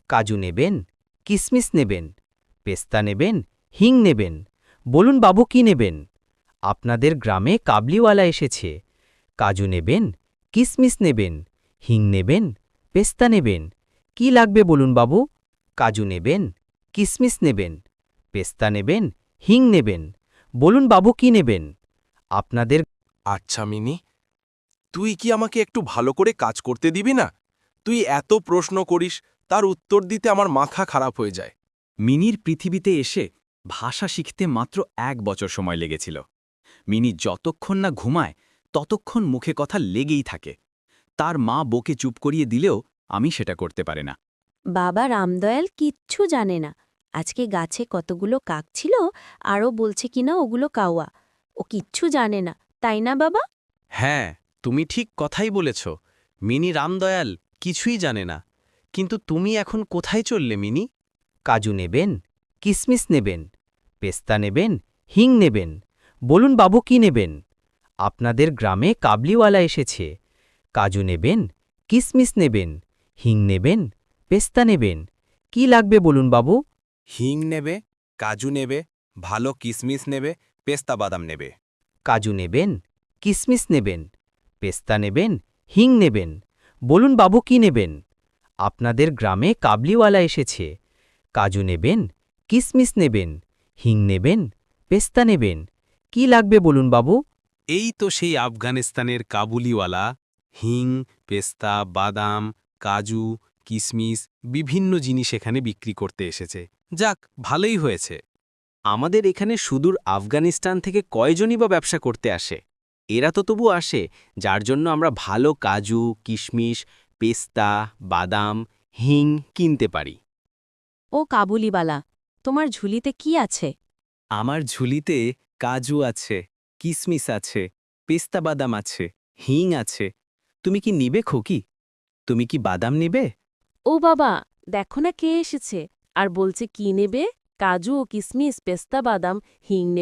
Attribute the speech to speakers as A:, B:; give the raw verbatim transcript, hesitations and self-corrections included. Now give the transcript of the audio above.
A: কাজু নেবেন, কিসমিস নেবেন, পেস্তা নেবেন, হিং নেবেন। বলুন বাবু কি নেবেন? আপনাদের গ্রামে কাবলিওয়ালা এসেছে। কাজু নেবেন, কিসমিস নেবেন, হিং নেবেন, পেস্তা নেবেন। কি লাগবে বলুন বাবু? কাজু নেবেন, কিসমিস নেবেন, পেস্তা নেবেন, হিং নেবেন। বলুন বাবু কি নেবেন? আপনাদের
B: আচ্ছা মিনি, তুই কি আমাকে একটু ভালো করে কাজ করতে দিবি না? তুই এত প্রশ্ন করিস, তার উত্তর দিতে আমার মাথা খারাপ হয়ে যায়।
C: মিনির পৃথিবীতে এসে ভাষা শিখতে মাত্র এক বছর সময় লেগেছিল। মিনি যতক্ষণ না ঘুমায় ততক্ষণ মুখে কথা লেগেই থাকে। তার মা বকে চুপ করিয়ে দিলেও আমি সেটা করতে পারে না।
D: বাবা রামদয়াল কিচ্ছু জানে না আজকে গাছে কতগুলো কাক ছিল, আরও বলছে কিনা ওগুলো কাওয়া। ও কিচ্ছু জানে না, তাই না বাবা?
E: হ্যাঁ, তুমি ঠিক কথাই বলেছ। মিনি রামদয়াল কিছুই জানে না। কিন্তু তুমি এখন কোথায় চললে মিনি?
A: কাজু নেবেন, কিসমিস নেবেন, পেস্তা নেবেন, হিং নেবেন। বলুন বাবু কি নেবেন? আপনাদের গ্রামে কাবলিওয়ালা এসেছে। কাজু নেবেন, কিসমিস নেবেন, হিং নেবেন, পেস্তা নেবেন। কি লাগবে বলুন বাবু?
B: হিং নেবে, কাজু নেবে, ভালো কিসমিস নেবে, পেস্তা বাদাম নেবে।
A: কাজু নেবেন, কিসমিস নেবেন, পেস্তা নেবেন, হিং নেবেন। বলুন বাবু কি নেবেন? আপনাদের গ্রামে কাবলিওয়ালা এসেছে। কাজু নেবেন, কিসমিস নেবেন, হিং নেবেন, পেস্তা নেবেন। কি লাগবে বলুন বাবু?
E: এই তো সেই আফগানিস্তানের কাবুলিওয়ালা। হিং, পেস্তা, বাদাম, কাজু, কিসমিস বিভিন্ন জিনিস এখানে বিক্রি করতে এসেছে। যাক, ভালোই হয়েছে। আমাদের এখানে সুদূর আফগানিস্তান থেকে কয়জনই বা ব্যবসা করতে আসে? এরা তো তবু আসে যার জন্য আমরা ভালো কাজু, কিশমিশ, পেস্তা, বাদাম, হিং কিনতে পারি।
D: ও কাবুলিবালা, তোমার ঝুলিতে কি আছে?
C: আমার ঝুলিতে কাজু আছে, কিসমিস আছে, পেস্তা বাদাম আছে, হিং আছে। তুমি কি নিবে খোকি? তুমি কি বাদাম নিবে?
F: ও বাবা, দেখো না কে এসেছে আর বলছে কি নেবে? কাজু ও কিসমিস, পেস্তা বাদাম, হিং নেবে।